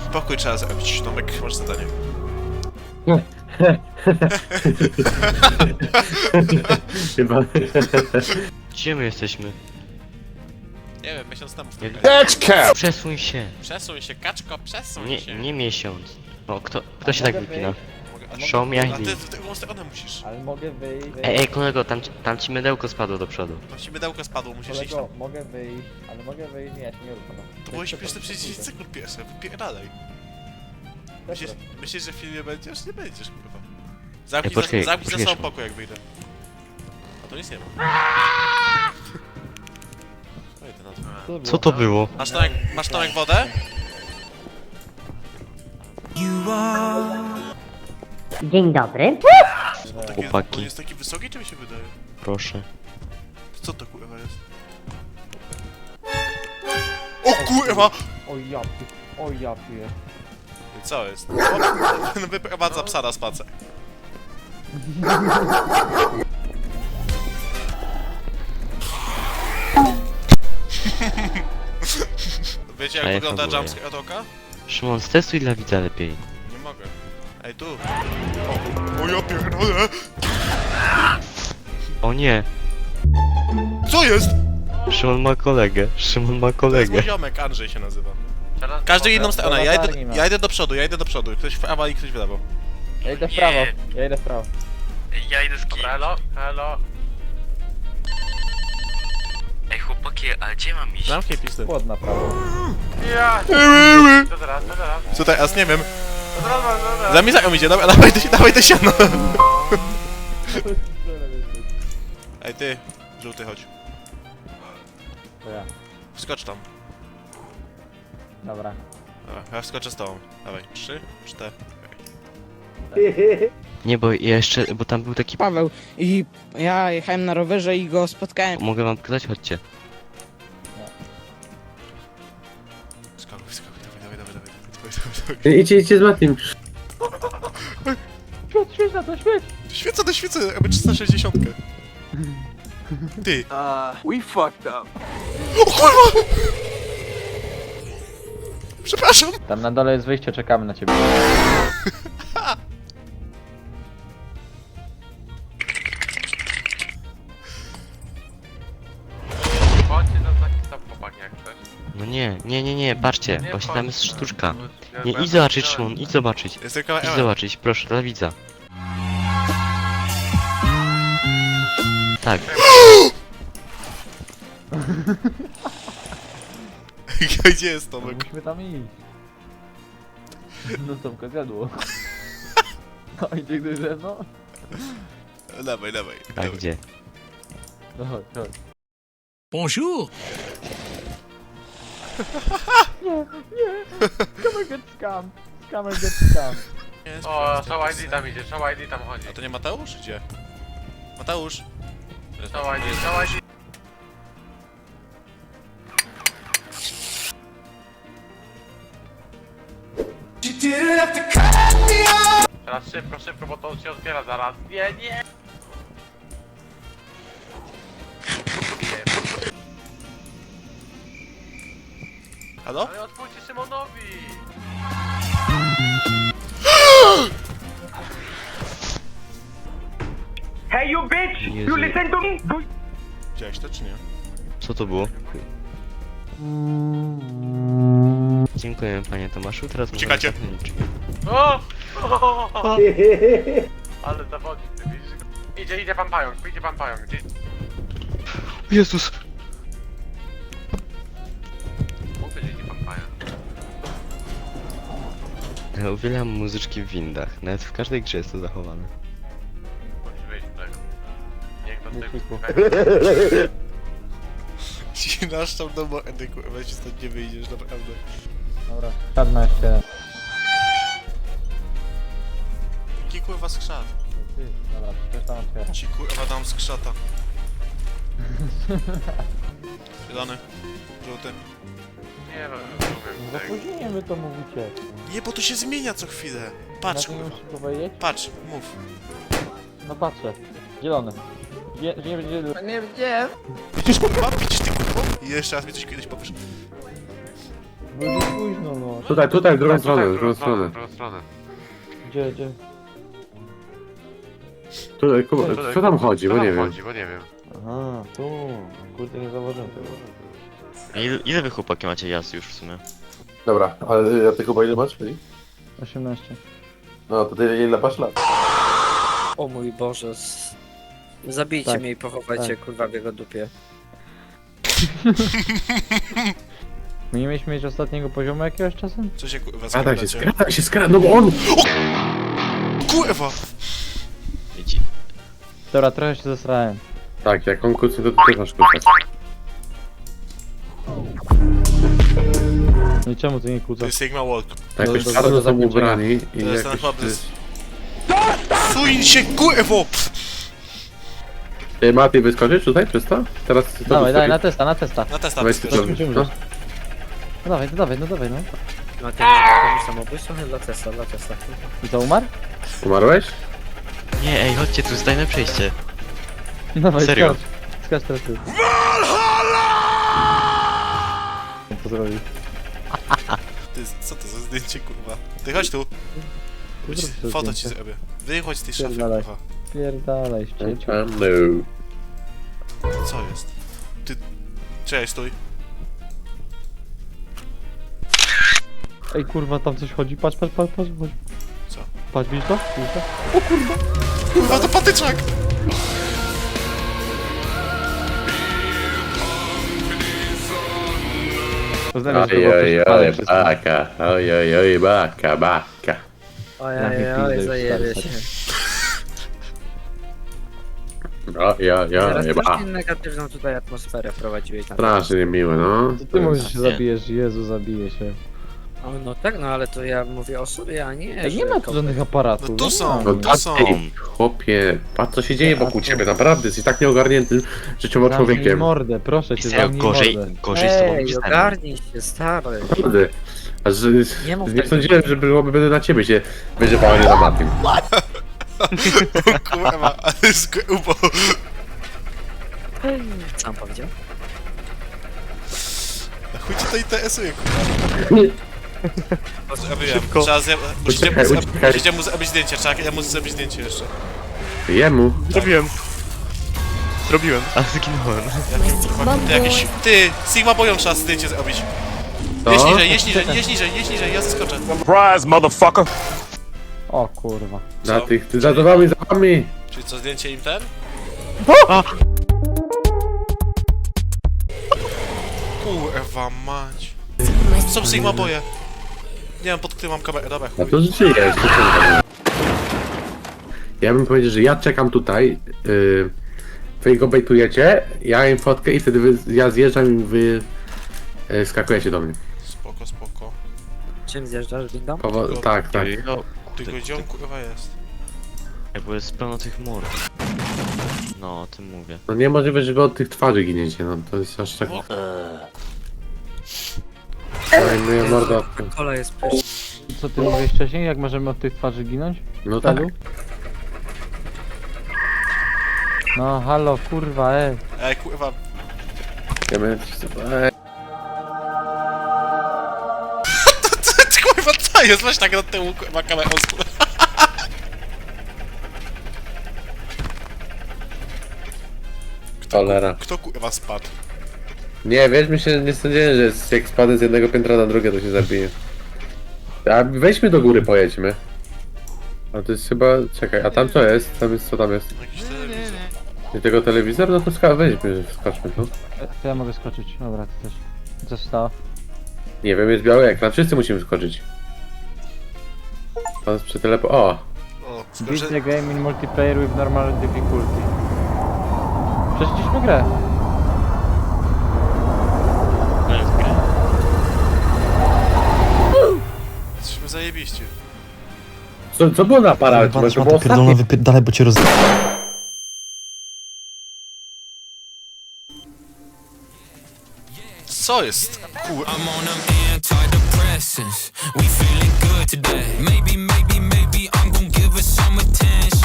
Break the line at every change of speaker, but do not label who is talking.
Pokój trzeba zrobić, Tomek, masz zadanie.
Chyba.
Gdzie my jesteśmy?
Nie wiem, miesiąc temu w
Nie-
tym
Przesuń się!
Przesuń się, kaczko, przesuń
Nie,
się.
nie miesiąc. O, kto się tak wypina?
Mogę,
Show me
a ty
ID.
w drugą stronę musisz.
Ale mogę wyjść.
Ej, kolego, tam ci mydełko spadło do przodu.
Tam ci mydełko spadło, musisz iść tam.
Kolego, mogę wyjść, ale mogę wyjść, nie, ja się nie ruszam.
To było śmieszne przez 10 sekund pierwsze, wypierdalaj. Myślisz, że w filmie będziesz? Nie będziesz, kurwa. Zamknij,
poczekaj,
zamknij za
poczekaj.
sobą pokój, jak wyjdę. A to nic nie ma. Oj, to na to.
Co to było?
Masz Tomek wodę?
Dzień dobry.
Chłopaki.
On jest taki wysoki, czy mi się wydaje?
Proszę.
Co to kurwa jest? O kurwa!
O ja pier.
Co jest? On wyprowadza psa na spacer. Wiecie
A
jak
jak
wygląda
ogólnie?
jumpscare od oka?
Szymon, stestuj dla widza lepiej.
Nie mogę. Ej, tu! O ja pierdolę!
O nie!
Co jest?
Szymon ma kolegę. Szymon ma
To jest
kolegę.
mój ziomek, Andrzej się nazywa. Każdy inną stronę, ja idę do przodu, Ktoś w prawo i ktoś w lewo.
Ja idę w prawo, ja idę w prawo.
Ja idę z kim?
Hello, hello.
Ej chłopaki, a gdzie mam iść?
Zamknij pizdę.
Płot na prawo.
Ja! Co teraz, co teraz?
Co teraz? Nie wiem.
Co teraz?
Za mizają idzie, dobra, dawaj te siano. Ej ty, żółty, chodź.
To ja.
Wskocz tam.
Dobra.
Dobra, ja wskoczę z tobą. Dawaj, 3, 4.
Nie, bo jeszcze, bo tam był taki...
Paweł i ja jechałem na rowerze i go spotkałem.
Mogę wam pokazać? Chodźcie.
Skakuj, dawaj.
Idźcie z Matim.
Świeca do świecy, aby 360. Ty.
We fucked up.
O kurwa! Przepraszam.
Tam na dole jest wyjście, czekamy na ciebie.
Chodźcie na taki sam chłopak jak chcesz.
No nie, patrzcie,
Nie
właśnie
chodź,
tam jest
no.
sztuczka.
Ja
Nie,
będę
idź zobaczyć,
widziałem.
Szymon, idź zobaczyć.
Jest tylko
Idź zobaczyć, proszę, dla widza. Tak,
Gdzie jest Tomek?
Musimy tam iść. No to zjadło. No idzie ktoś ze mną?
Dawaj.
tak gdzie?
No chodź, chodź.
Bonjour.
Come and get scam. Come and get scam.
O, Show ID tam idzie, Show ID tam chodzi.
A to nie Mateusz? Gdzie? Mateusz?
Show ID, Show ID. Teraz szybko, bo to się otwiera zaraz. Nie!
Halo?
Ale otwórzcie Szymonowi!
Hey you bitch!
Jezu.
You listen to me?
Widziałeś to czy nie?
Co to było? Dziękuję, panie Tomaszu, teraz możemy
Uciekacie.
zamknąć drzwi.
O! Ale zawodnik, ty widzisz go? Idzie pan pająk, gdzie?
Jezus!
Mówię, że idzie pan pająk.
Ja uwielbiam muzyczki w windach, nawet w każdej grze jest to zachowane.
Musisz wyjść z tego. Niech do tego.
Ci nasz tam do mordy, kurwa, ci stąd nie wyjdziesz, naprawdę.
Dobra, czarna jeszcze.
Jaki kurwa skrzat?
Ty, dobra, przecież tam otwiera.
Ci kurwa dam skrzata. Zielony, żółty.
Nie wiem,
Z
rozumiem tego.
opóźnieniem wy to mówicie.
Nie, bo to się zmienia co chwilę. Patrz
Na to nie
kurwa.
musisz powiedzieć?
Patrz, mów.
No patrzę. Zielony. Nie będzie...
Widzisz kurwa? Widzisz ty kurwa? I jeszcze raz mi coś kiedyś powiesz.
No już późno, no.
Tutaj, w drugą stronę,
w drugą stronę.
Gdzie?
Tutaj, Kuba, co tam chodzi, bo nie wiem.
Aha, tu. Kurde, nie zauważyłem tego.
Ile wy chłopaki macie jazd już w sumie?
Dobra, ale ty chyba ile masz?
18.
No to ty ile masz lat?
O mój Boże. Zabijcie
Tak,
mnie i pochowajcie
tak.
kurwa w jego dupie.
My nie mieliśmy mieć ostatniego poziomu jakiegoś czasem?
Co się kurwa
Skradaj się, no bo on...
Kurwa!
Wiecie,
Dobra, trochę się zesrałem.
Tak, jak on kucnie, to ty też masz kucać.
No i czemu ty nie
To
kłócasz?
jest Sigma Walk.
Tak, jakoś
do
czarno są
zakończenia.
ubrani i
To jest ten
jakoś...
chyba bez... Suń się,
Ty, Mati, wyskoczysz tutaj przez to? Teraz... to
Dawaj,
wyskoczysz.
na testa.
Na testa,
Weź
testa.
ty to, no.
No dawaj, no.
No to jest samobójstwo dla Tesla.
I to umarł?
Umarłeś?
nie, ej, chodźcie tu, zdajmy przejście.
Dawaj,
Serio?
skacz teraz ty. Co zrobił?
Ty, co to za zdjęcie, kurwa? Ty chodź tu.
Zrób to
Foto ci
zdjęcie.
zrobię. Wychodź z tej szafy,
Pierdalaj.
kurwa.
Pierdalaj, ścieciu.
No.
Co jest? Ty... Cześć, stój.
Ej kurwa, tam coś chodzi, patrz.
Co?
Patrz, widzisz to?
Kurwa, to patyczak!
Oj, baka, oj, baka.
Ojej, zajebie się. Teraz
Oj,
też negatywną tutaj atmosferę wprowadziłeś na to.
Strasznie niemiłe, no.
Ty mówisz, że się
Nie.
zabijesz, Jezu, zabije się.
O, no tak, no ale to ja mówię o sobie, a nie.
Ej,
że
nie ma tu
kogoś-
żadnych aparatów.
No tu
nie
są.
ma.
No
To są.
Ej, chłopie, patrz co się dzieje wokół ciebie, naprawdę, jesteś tak nieogarniętym życiowo
Zamknij
człowiekiem.
mordę, proszę cię,
Serio,
zamknij
gorzej
mordę.
z tobą
Ej,
niż ze mną.
ogarnij się, stary.
Naprawdę. A że,
Nie mów
nie
tak.
sądziłem, że będę na ciebie się wyżywało, nie na Matim.
Kurwa, ale skubo.
Sam powiedział.
Chuj ci to interesuje, kurwa. Zrobiłem. Trzeba musicie mu zrobić zdjęcie, trzeba mu zrobić zdjęcie jeszcze.
Jemu.
Zrobiłem. A zginąłem.
Ty, Sigma boją trzeba zdjęcie zrobić.
Co?
Jedź niżej, ja zeskoczę.
O kurwa.
Za tych, ty za wami.
Czyli co, zdjęcie im ten? Kurwa mać. Są Sigma boje. Nie wiem, pod którym mam kamerę, dobra,
A
chuj.
to żyjesz, to co? Ja bym powiedział, że ja czekam tutaj, wy go bejtujecie, ja im fotkę i wtedy ja zjeżdżam i wy skakujecie do mnie.
Spoko.
Czym zjeżdżasz, windą?
Tak.
No,
Ty go gdzie on kurwa jest?
bo jest pełno tych mord. No, o tym mówię.
No niemożliwe, że wy od tych twarzy giniecie, no to jest aż tak... Oj, moja morda...
Kola jest pyszna.
Co ty mówiłeś wcześniej, jak możemy od tych twarzy ginąć?
No tak.
Talu? No halo, kurwa,
Ej, kurwa.
Ja miałem...
Ty kurwa, co jest? Weź tak od tyłu, kurwa, kamerą.
Cholera.
Kto kurwa spadł?
Nie, wiesz, myślę, nie sądziłem, że jak spadnę z jednego piętra na drugie, to się zabije. A weźmy do góry, pojedźmy. A to jest chyba... Czekaj, a tam co jest? Tam jest, co tam jest?
Jakiś telewizor.
Nie tego telewizor? No to weźmy, skoczmy tu.
to ja mogę skoczyć, dobra, ty też. Co się stało?
Nie wiem, jest biały ekran, wszyscy musimy skoczyć. Pan przy telepo... O!
O,
Beat
skoczę.
the game in multiplayer with normal difficulty. Przeszliśmy grę.
No jest okej.
Jesteśmy zajebiście.
Co było na aparacie? Bo to było ostatnie.
wypierdalaj, bo cię roz...
Co jest? Kurwa.
I'm on them antidepressants. We feeling good today. Maybe I'm gonna give her some attention.